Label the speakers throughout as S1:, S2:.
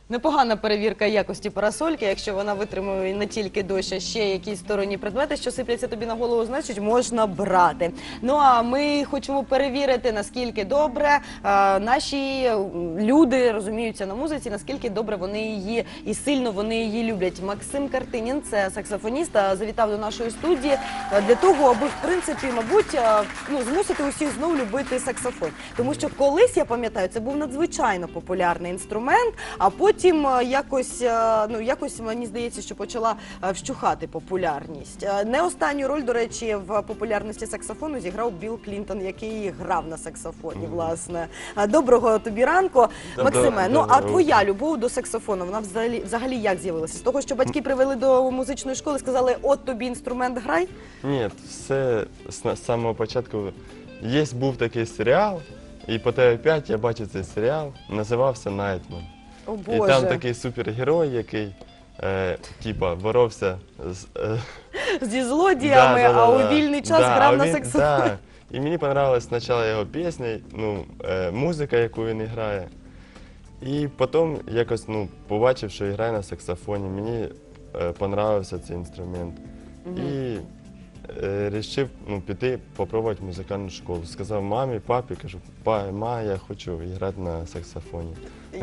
S1: Непогана перевірка якості парасольки, якщо вона витримує не тільки дощ, а ще якісь сторонні предмети, що сипляться тобі на голову, значить можна брати. Ну а ми хочемо перевірити, наскільки добре наші люди розуміються на музиці, наскільки добре вони її і сильно вони її люблять. Максим Картинін, це саксофоніст, завітав до нашої студії для того, аби, в принципі, мабуть, змусити усіх знову любити саксофон. Тому що колись, я пам'ятаю, це був надзвичайно популярний інструмент, а потім якось мені здається, що почала вщухати популярність. Не останню роль, до речі, в популярності саксофону зіграв Білл Клінтон, який грав на саксофоні, власне. Доброго тобі ранку, Максиме. Ну, а твоя любов до саксофону, вона взагалі як з'явилася? З того, що батьки привели до музичної школи, сказали, от тобі інструмент, грай?
S2: Ні, все з самого початку. Був такий серіал, і по ТВ5 я бачив цей серіал, називався «Найтман».
S1: О,
S2: І
S1: Боже.
S2: там такий супергерой, який боровся
S1: Зі злодіями, а у вільний час грав на саксофоні.
S2: Да. І мені подобалась спочатку його пісня, музика, яку він грає. І потім якось побачив, що грає на саксофоні. Мені подобався цей інструмент. І вирішив піти спробувати музикальну школу. Сказав мамі, папі, кажу, ма, я хочу грати на саксофоні.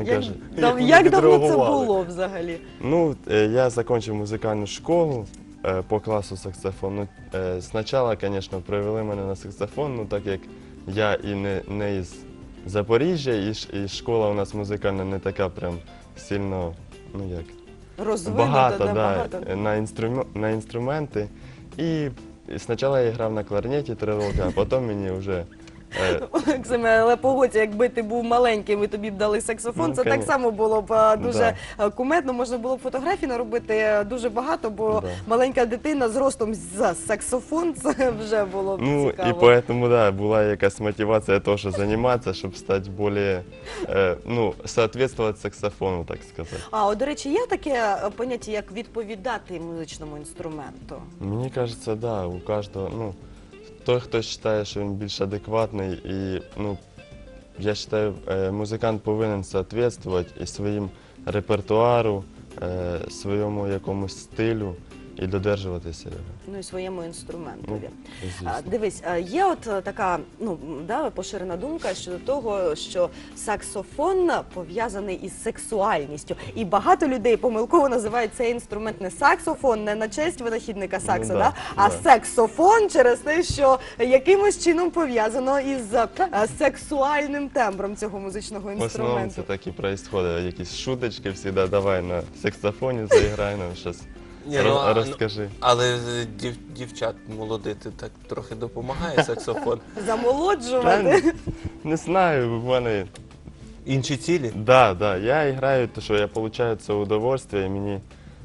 S1: Як давно це було взагалі?
S2: Ну, я закінчив музикальну школу по класу саксофону. Спочатку, звісно, привели мене на саксофон, так як я і не із Запоріжжя, і школа у нас музикальна не така прям сильно, багато на інструменти. І спочатку я грав на кларнеті 3 роки, а потім мені вже...
S1: Максиме, але погодься, якби ти був маленьким і тобі б дали саксофон, це так само було б дуже кумедно, можна було б фотографій наробити дуже багато, бо маленька дитина з ростом за саксофон, це вже було б цікаво.
S2: Ну, і тому, була якась мотивація теж займатися, щоб стати більш, соответствувати саксофону, так сказати.
S1: А, до речі, є таке поняття, як відповідати музичному інструменту?
S2: Мені кажеться, да, у кожного, той, хто вважає, що він більш адекватний, і, я вважаю, музикант повинен відповідати і своїм репертуару, своєму якомусь стилю і додержуватися його.
S1: Ну і своєму інструментові. Дивись, є от така поширена думка щодо того, що саксофон пов'язаний із сексуальністю. І багато людей помилково називають цей інструмент не саксофон, не на честь винахідника сакса, а саксофон через те, що якимось чином пов'язано із сексуальним тембром цього музичного інструменту.
S2: В основному це так і відбувається, якісь шуточки завжди, давай на саксофоні заіграй нам щось. Розкажи.
S3: Але дівчат молодити так трохи допомагає саксофон.
S1: Замолоджувати?
S2: Не знаю, в мене...
S3: Інші цілі?
S2: Да, я граю, тому що я отримую це удовольствие, і мені,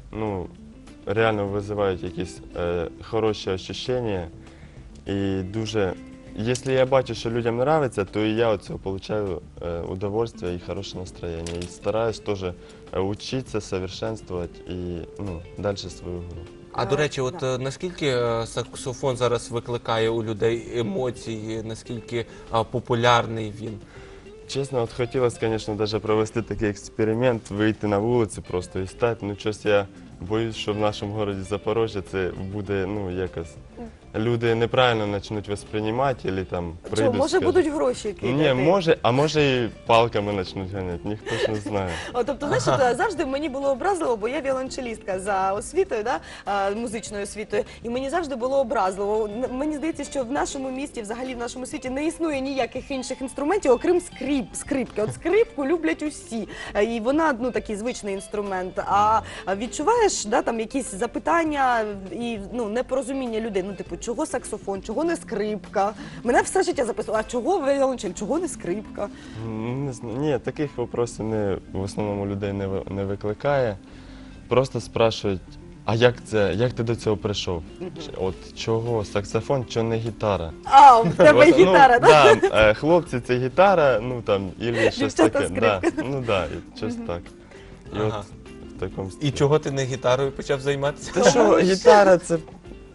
S2: реально визивають якісь хороші відчуття. І дуже... Якщо я бачу, що людям подобається, то і я від цього отримую удовольствие і хороше настроєння. І стараюсь теж вчитися, совершенствувати і далі свою гру.
S3: А до речі, от наскільки саксофон зараз викликає у людей емоції, наскільки популярний він?
S2: Чесно, от хотілося, звісно, навіть провести такий експеримент, вийти на вулицю просто і стати. Ну, щось я боюсь, що в нашому місті Запоріжжя це буде, якось... Люди неправильно почнуть восприймати, або там прийдуть.
S1: Що, може будуть гроші кидати?
S2: Ні, може, а може і палками почнуть ганяти, ніхто ж не знає.
S1: Тобто, знаєш, завжди мені було образливо, бо я віолончелістка за освітою, музичною освітою, і мені завжди було образливо. Мені здається, що в нашому місті, взагалі в нашому світі не існує ніяких інших інструментів, окрім скрипки. От скрипку люблять усі, і вона, такий звичний інструмент. А відчуваєш, там якісь запитання і непорозуміння людей, чого саксофон, чого не скрипка? Мене все життя записувало, а чого віолончель, чого не скрипка?
S2: Ні, таких питань в основному людей не викликає. Просто спрашують, а як ти до цього прийшов? От чого саксофон, чого не гітара?
S1: А, в тебе гітара, так?
S2: Так, хлопці це гітара, або щось таке. Щось так. І от в такому стилі.
S3: І чого ти не гітарою почав займатися?
S2: Та що, гітара це...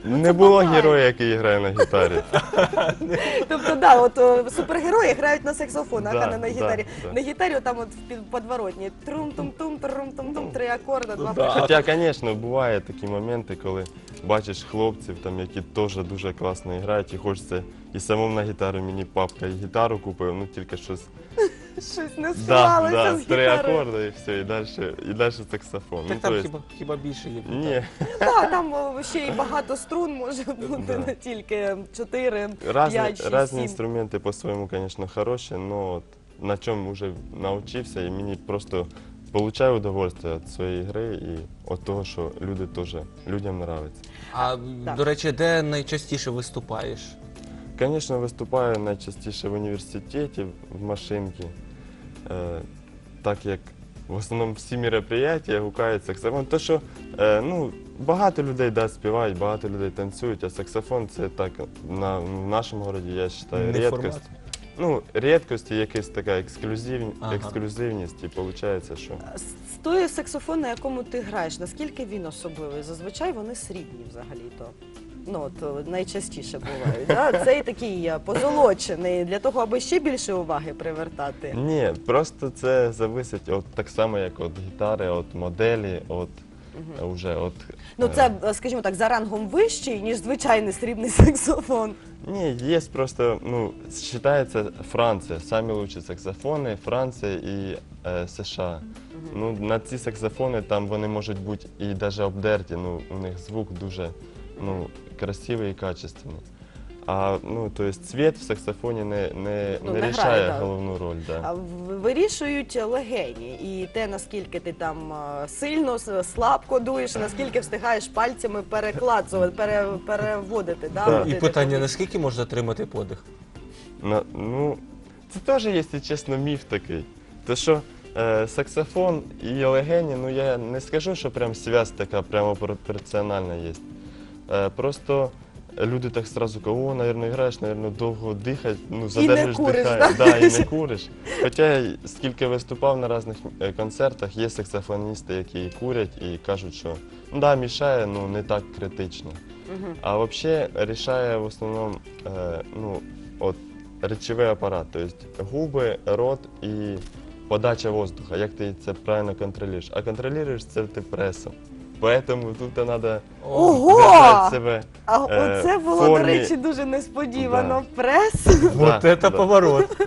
S2: Не було героя, який грає на гітарі.
S1: Тобто, да, от супергерої грають на саксофонах, а не на
S2: Да,
S1: гітарі.
S2: да.
S1: На гітарі там от в подворотні трум-тум-тум, трум-тум-тум, 3 акорди, 2
S3: Да.
S2: Хоча, звісно, бувають такі моменти, коли бачиш хлопців, там, які теж дуже класно грають, і хочеться і самому на гітару, мені папка і гітару купив, ну тільки щось.
S1: щось не склалося з
S2: 3
S1: гітарою.
S2: акорди і все, і далі саксофон.
S3: Так
S2: Ну,
S3: там
S2: то есть,
S3: хіба більше є?
S2: ні,
S1: Так, там ще й багато струн може бути,
S2: Да.
S1: не тільки 4, 5, 6,
S2: різні
S1: 7.
S2: інструменти по-своєму, звісно, хороші, але на чому вже навчився, і мені просто получаю удовольствие від своєї гри і від того, що люди теж, людям подобається.
S3: А,
S1: Так.
S3: до речі, де найчастіше виступаєш?
S2: Звісно, виступаю найчастіше в університеті, в машинці, так як в основному всі мероприятия гукають саксофон. То, що багато людей співають, багато людей танцюють, а саксофон це так в нашому городі, я вважаю,
S3: Не
S2: рідкость.
S3: формат.
S2: Ну, рідкость і якась така
S3: Ага.
S2: ексклюзивність, і виходить, що
S1: З той саксофон, на якому ти граєш, наскільки він особливий? Зазвичай вони срібні взагалі-то. Ну, от найчастіше бувають. Да? Цей такий позолочений, для того, аби ще більше уваги привертати.
S2: ні, просто це залежить от так само, як від гітари, від моделі,
S1: Ну, це, скажімо так, за рангом вищий, ніж звичайний срібний саксофон.
S2: Ні, є просто, вважається Франція, самі лучші саксофони, Франція і США. Ну, на ці саксофони там вони можуть бути і навіть обдерті, у них звук дуже красивий і качественний. А то есть цвет в саксофоні не
S1: не грає,
S2: рішає
S1: да.
S2: головну роль. Да.
S1: А вирішують легені і те, наскільки ти там сильно, слабко дуєш, наскільки встигаєш пальцями перекладувати, переводити. Да,
S2: Да.
S1: от
S3: І
S1: це
S3: питання,
S1: повітря.
S3: наскільки можна тримати подих?
S2: Це теж, якщо чесно, міф такий. То що саксофон і легені, я не скажу, що прям зв'язь така прямо пропорціональна є. Просто люди так сразу кажуть, мабуть, граєш, мабуть, довго дихати, задержиш
S1: куриш,
S2: дихання,
S1: да?
S2: і не куриш. Хоча я скільки виступав на різних концертах, є саксофоністи, які курять і кажуть, що мішає, не так критично. А взагалі рішає в основному речовий апарат, тобто губи, рот і подача воздуха, як ти це правильно контролюєш. А контролюєш це ти пресом. Тому тут треба
S1: Ого!
S2: держати себе.
S1: А
S2: в
S1: оце було, до
S2: формі.
S1: речі, дуже несподівано.
S2: Да.
S1: Прес.
S3: Вот
S2: Да,
S3: це
S2: да.
S3: поворот.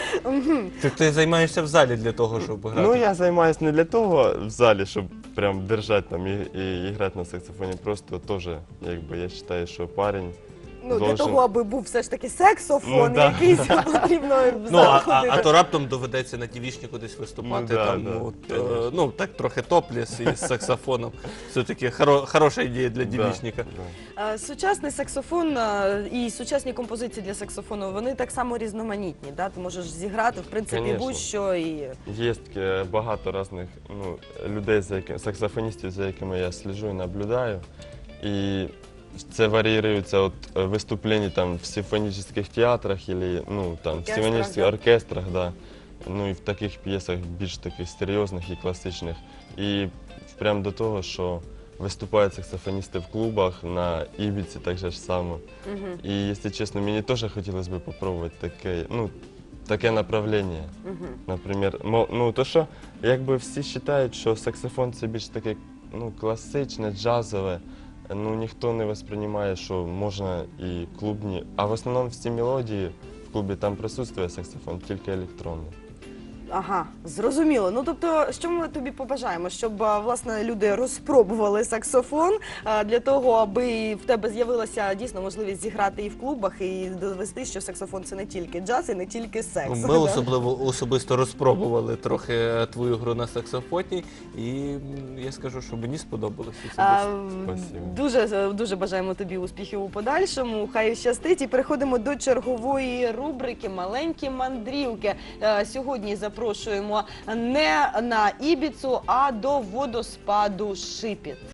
S3: Ти займаєшся в залі для того, щоб грати?
S2: Я займаюся не для того в залі, щоб прям держати там і грати на саксофоні. Просто теж, якби я вважаю, що парень
S1: Для
S2: должен-
S1: того, аби був все ж таки саксофон,
S2: да.
S1: якийсь потрібно в
S3: Ну,
S1: зал
S3: а
S1: ходити.
S3: то раптом доведеться на тівішні кудись виступати,
S2: Ну, да,
S3: там,
S2: да,
S3: от, так трохи топліс із саксофоном. Все-таки хороша ідея для дівішника.
S2: Да.
S1: Сучасний саксофон і сучасні композиції для саксофону, вони так само різноманітні. Да? Ти можеш зіграти, в принципі,
S2: Конечно.
S1: будь-що. І...
S2: Є багато різних людей, саксофоністів, за якими я сліджу і наблюдаю. І це варіюється від виступлень там, в симфонічних театрах або в
S1: Оркестрах,
S2: симфонічних
S1: да.
S2: оркестрах, да. І в таких п'єсах більш таких серйозних і класичних. І прямо до того, що виступають саксофоністи в клубах на Ібіці так же ж само. І, якщо чесно, мені теж хотілося б спробувати таке направлення. Наприклад, то що, якби всі вважають, що саксофон це більш таке класичне, джазове, ніхто не сприймає, що можна і клубні. А в основному всі мелодії в клубі там присутствує саксофон, тільки електронний.
S1: Ага, зрозуміло. Ну, тобто, що ми тобі побажаємо? Щоб, власне, люди розпробували саксофон для того, аби в тебе з'явилася дійсно можливість зіграти і в клубах, і довести, що саксофон – це не тільки джаз і не тільки секс.
S3: Ми особисто розпробували трохи твою гру на саксофоні, і я скажу, що мені сподобалося особисто.
S2: Спасибо.
S1: Дуже бажаємо тобі успіхів у подальшому. Хай щастить. І переходимо до чергової рубрики «Маленькі мандрівки». Сьогодні запрошуємо не на Ібіцу, а до водоспаду Шипіт.